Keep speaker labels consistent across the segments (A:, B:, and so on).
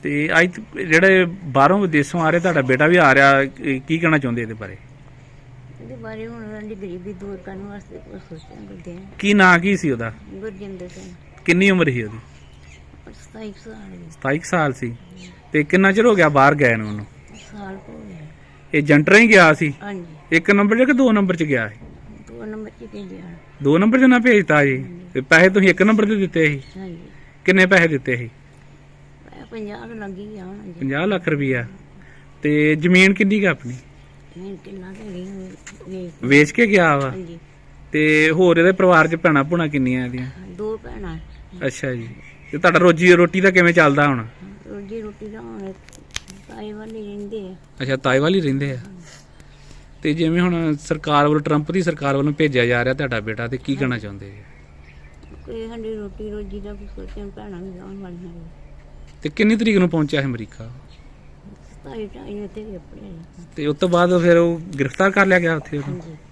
A: ਤੇ ਅੱਜ ਜਿਹੜੇ ਬਾਹਰੋਂ ਵਿਦੇਸ਼ੋਂ ਆ ਰਹੇ, ਤੁਹਾਡਾ ਬੇਟਾ ਵੀ ਆ ਰਿਹਾ, ਕੀ ਕਹਿਣਾ ਚਾਹੁੰਦੇ ਇਹਦੇ ਬਾਰੇ?
B: ਇਹਦੇ ਬਾਰੇ ਹੁਣ ਉਹਨਾਂ ਦੀ ਗਰੀਬੀ ਦੂਰ ਕਰਨ ਵਾਸਤੇ ਕੁਝ ਸੋਚਣ ਲੱਗੇ ਹਾਂ।
A: ਕੀ ਨਾਂ ਕੀ ਸੀ ਉਹਦਾ?
B: ਗੁਰਜਿੰਦਰ ਸਿੰਘ।
A: ਕਿੰਨੀ ਉਮਰ ਸੀ ਉਹਦੀ?
B: 27 ਸਾਲ ਦੀ।
A: 27 ਸਾਲ ਸੀ। ਤੇ ਕਿੰਨਾ ਚਿਰ ਹੋ ਗਿਆ ਬਾਹਰ ਗਏ ਨੂੰ ਉਹਨੂੰ?
B: ਸਾਲ ਹੋ ਗਿਆ।
A: ਇਹ ਜੰਟਰਾਂ ਹੀ ਗਿਆ ਸੀ?
B: ਹਾਂਜੀ।
A: 1 ਨੰਬਰ 'ਚ ਕਿ 2 ਨੰਬਰ 'ਚ ਗਿਆ ਸੀ?
B: 2 ਨੰਬਰ 'ਚ ਭੇਜਿਆ।
A: 2 ਨੰਬਰ 'ਚ ਨਾ ਭੇਜਤਾ ਜੀ? ਤੇ ਪੈਸੇ ਤੁਸੀਂ 1 ਨੰਬਰ ਤੇ ਦਿੱਤੇ ਸੀ?
B: ਹਾਂਜੀ।
A: ਕਿੰਨੇ ਪੈਸੇ ਦਿੱਤੇ ਸੀ?
B: 50 ਲੱਗੀ ਆ ਹੁਣ ਜੀ।
A: 50 ਲੱਖ ਰੁਪਈਆ। ਤੇ ਜ਼ਮੀਨ ਕਿੰਨੀ ਕੁ ਆਪਣੀ?
B: ਮੈਂ ਕਿੰਨਾ ਤੇ
A: ਵੇਚ ਕੇ ਗਿਆ ਵਾ?
B: ਹਾਂਜੀ।
A: ਤੇ ਹੋਰ ਇਹਦੇ ਪਰਿਵਾਰ 'ਚ ਭੈਣਾਂ ਭੂਣਾਂ ਕਿੰਨੀਆਂ ਇਹਦੀਆਂ?
B: 2 ਭੈਣਾਂ।
A: ਅੱਛਾ ਜੀ। ਤੇ ਤੁਹਾਡਾ ਰੋਜੀ ਰੋਟੀ ਦਾ ਕਿਵੇਂ ਚੱਲਦਾ ਹੁਣ?
B: ਰੋਜੀ ਰੋਟੀ ਦਾ ਹੁਣ ਤਾਈ ਵਾਲੀ ਰਹਿੰਦੇ ਆ।
A: ਅੱਛਾ, ਤਾਏ ਵਾਲ ਹੀ ਰਹਿੰਦੇ ਆ। ਤੇ ਜਿਵੇਂ ਹੁਣ ਸਰਕਾਰ ਵੱਲੋਂ, ਟਰੰਪ ਦੀ ਸਰਕਾਰ ਵੱਲੋਂ ਭੇਜਿਆ ਜਾ ਰਿਹਾ ਤੁਹਾਡਾ ਬੇਟਾ, ਤੇ ਕੀ ਕਹਿਣਾ ਚਾਹੁੰਦੇ ਜੀ?
B: ਕੋਈ ਸਾਡੀ ਰੋਟੀ ਰੋਜੀ ਦਾ ਕੁਝ ਸੋਚਣ, ਭੈਣਾਂ ਵੀ ਜਾਣ ਵਾਲੀਆਂ ਨੇ।
A: ਤੇ ਕਿੰਨੀ ਤਰੀਕ ਨੂੰ ਪਹੁੰਚਿਆ ਹੈ ਅਮਰੀਕਾ?
B: 27 ਟਾਈਮ ਤੇ ਵੀ ਆਪਣੇ।
A: ਤੇ ਉਸ ਤੋਂ ਬਾਅਦ ਫਿਰ ਉਹ ਗ੍ਰਿਫਤਾਰ ਕਰ ਲਿਆ ਗਿਆ ਉੱਥੇ ਉਹਨੂੰ?
B: ਹਾਂਜੀ।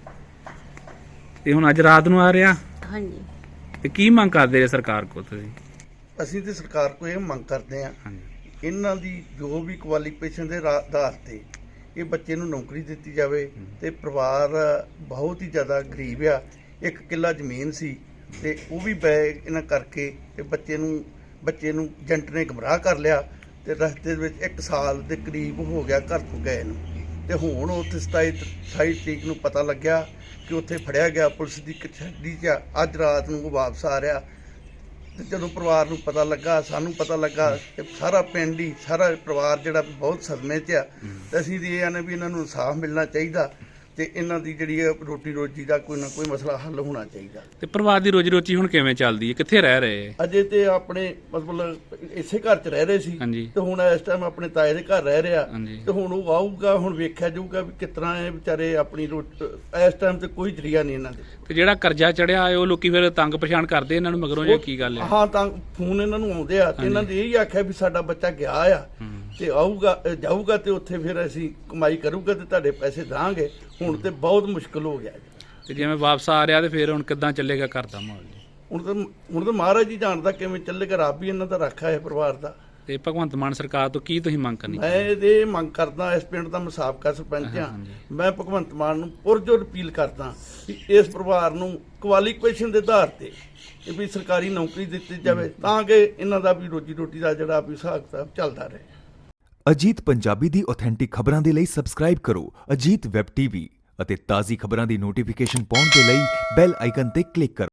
A: ਤੇ ਹੁਣ ਅੱਜ ਰਾਤ ਨੂੰ ਆ ਰਿਹਾ?
B: ਹਾਂਜੀ।
A: ਤੇ ਕੀ ਮੰਗ ਕਰਦੇ ਜੇ ਸਰਕਾਰ ਕੋਲ ਤੁਸੀਂ?
C: ਅਸੀਂ ਤੇ ਸਰਕਾਰ ਕੋਲ ਇਹ ਮੰਗ ਕਰਦੇ ਹਾਂ,
A: ਹਾਂਜੀ।
C: ਇਹਨਾਂ ਦੀ ਜੋ ਵੀ ਕੁਆਲੀਫਿਕੇਸ਼ਨ ਦੇ ਆਧਾਰ ਤੇ ਇਹ ਬੱਚੇ ਨੂੰ ਨੌਕਰੀ ਦਿੱਤੀ ਜਾਵੇ। ਤੇ ਪਰਿਵਾਰ ਬਹੁਤ ਹੀ ਜ਼ਿਆਦਾ ਗਰੀਬ ਆ। 1 ਕਿੱਲਾ ਜ਼ਮੀਨ ਸੀ ਤੇ ਉਹ ਵੀ ਬੈ ਇਹਨਾਂ ਕਰਕੇ ਤੇ ਬੱਚੇ ਨੂੰ ਏਜੰਟ ਨੇ ਗੁੰਮਰਾਹ ਕਰ ਲਿਆ। ਤੇ ਰਸਤੇ ਦੇ ਵਿੱਚ 1 ਸਾਲ ਦੇ ਕਰੀਬ ਹੋ ਗਿਆ ਘਰ ਤੋਂ ਗਏ ਨੂੰ। ਤੇ ਹੁਣ ਉੱਥੇ 27 ਤਰੀਕ ਨੂੰ ਪਤਾ ਲੱਗਿਆ ਕਿ ਉੱਥੇ ਫੜਿਆ ਗਿਆ ਪੁਲਿਸ ਦੀ ਕਸਟਡੀ 'ਚ। ਅੱਜ ਰਾਤ ਨੂੰ ਉਹ ਵਾਪਸ ਆ ਰਿਹਾ। ਤੇ ਜਦੋਂ ਪਰਿਵਾਰ ਨੂੰ ਪਤਾ ਲੱਗਾ, ਸਾਨੂੰ ਪਤਾ ਲੱਗਾ, ਤੇ ਸਾਰਾ ਪਿੰਡ ਹੀ, ਸਾਰਾ ਪਰਿਵਾਰ ਜਿਹੜਾ ਬਹੁਤ ਸਦਮੇ 'ਚ ਆ। ਤੇ ਅਸੀਂ ਤੇ ਇਹ ਆਨੇ ਵੀ ਇਹਨਾਂ ਨੂੰ ਇਨਸਾਫ ਮਿਲਣਾ ਚਾਹੀਦਾ ਤੇ ਇਹਨਾਂ ਦੀ ਜਿਹੜੀ ਰੋਟੀ ਰੋਜੀ ਦਾ ਕੋਈ ਨਾ ਕੋਈ ਮਸਲਾ ਹੱਲ ਹੋਣਾ ਚਾਹੀਦਾ।
A: ਤੇ ਪਰਿਵਾਰ ਦੀ ਰੋਜੀ ਰੋਟੀ ਹੁਣ ਕਿਵੇਂ ਚੱਲਦੀ ਹੈ? ਕਿੱਥੇ ਰਹਿ ਰਹੇ?
C: ਅਜੇ ਤੇ ਆਪਣੇ ਮਤਲਬ ਇਸੇ ਘਰ 'ਚ ਰਹਿ ਰਹੇ ਸੀ।
A: ਹਾਂਜੀ।
C: ਤੇ ਹੁਣ ਇਸ ਟਾਈਮ ਆਪਣੇ ਤਾਏ ਦੇ ਘਰ ਰਹਿ ਰਿਹਾ।
A: ਹਾਂਜੀ।
C: ਤੇ ਹੁਣ ਉਹ ਆਊਗਾ, ਹੁਣ ਵੇਖਿਆ ਜਾਊਗਾ ਵੀ ਕਿਸ ਤਰ੍ਹਾਂ ਇਹ ਵਿਚਾਰੇ ਆਪਣੀ ਇਸ ਟਾਈਮ ਤੇ ਕੋਈ ਜਰੀਆ ਨਹੀਂ ਇਹਨਾਂ ਦੇ।
A: ਤੇ ਜਿਹੜਾ ਕਰਜ਼ਾ ਚੜਿਆ ਉਹ ਲੋਕੀ ਫਿਰ ਤੰਗ ਪਰੇਸ਼ਾਨ ਕਰਦੇ ਇਹਨਾਂ ਨੂੰ ਮਗਰੋਂ, ਜਾਂ ਕੀ ਗੱਲ ਹੈ?
C: ਹਾਂ, ਤਾਂ ਫੋਨ ਇਹਨਾਂ ਨੂੰ ਆਉਂਦੇ ਆ ਤੇ ਇਹਨਾਂ ਨੇ ਇਹੀ ਆਖਿਆ ਵੀ ਸਾਡਾ ਬੱਚਾ ਗਿਆ ਆ ਤੇ ਆਊਗਾ ਜਾਊਗਾ ਤੇ ਉੱਥੇ ਫਿਰ ਅਸੀਂ ਕਮਾਈ ਕਰੂਗਾ ਤੇ ਤੁਹਾਡੇ ਪੈਸੇ ਦਾਂਗੇ। ਹੁਣ ਤੇ ਬਹੁਤ ਮੁਸ਼ਕਲ ਹੋ ਗਿਆ ਜੀ।
A: ਤੇ ਜਿਵੇਂ ਵਾਪਸ ਆ ਰਿਹਾ ਤੇ ਫਿਰ ਹੁਣ ਕਿੱਦਾਂ ਚੱਲੇਗਾ ਘਰ ਦਾ ਮਾਹੌਲ ਜੀ?
C: ਹੁਣ ਤਾਂ ਮਹਾਰਾਜ ਜੀ ਜਾਣਦਾ ਕਿਵੇਂ ਚੱਲੇਗਾ। ਰੱਬ ਹੀ ਇਹਨਾਂ ਦਾ ਰਾਖਾ ਹੈ ਪਰਿਵਾਰ ਦਾ।
A: ਤੇ ਭਗਵੰਤ ਮਾਨ ਸਰਕਾਰ ਤੋਂ ਕੀ ਤੁਸੀਂ ਮੰਗ ਕਰਨੀ?
C: ਮੈਂ ਇਹ ਮੰਗ ਕਰਦਾ, ਇਸ ਪਿੰਡ ਦਾ ਮੈਂ ਸਾਬਕਾ ਸਰਪੰਚ ਹਾਂ। ਮੈਂ ਭਗਵੰਤ ਮਾਨ ਨੂੰ ਪੁਰਜੋਰ ਅਪੀਲ ਕਰਦਾ ਕਿ ਇਸ ਪਰਿਵਾਰ ਨੂੰ ਕੁਆਲੀਫਿਕੇਸ਼ਨ ਦੇ ਆਧਾਰ ਤੇ ਵੀ ਸਰਕਾਰੀ ਨੌਕਰੀ ਦਿੱਤੀ ਜਾਵੇ ਤਾਂ ਕਿ ਇਹਨਾਂ ਦਾ ਵੀ ਰੋਜੀ ਰੋਟੀ ਦਾ ਜਿਹੜਾ ਵੀ ਹਿਸਾਬ ਕਿਤਾਬ ਚੱਲਦਾ ਰਹੇ।
D: ਅਜੀਤ ਪੰਜਾਬੀ ਦੀ ਆਥੈਂਟਿਕ ਖਬਰਾਂ ਦੇ ਲਈ ਸਬਸਕ੍ਰਾਈਬ ਕਰੋ ਅਜੀਤ ਵੈਬ ਟੀਵੀ ਅਤੇ ਤਾਜ਼ੀ ਖਬਰਾਂ ਦੀ ਨੋਟੀਫਿਕੇਸ਼ਨ ਪਾਉਣ ਦੇ ਲਈ ਬੈਲ ਆਈਕਨ ਤੇ ਕਲਿੱਕ ਕਰੋ।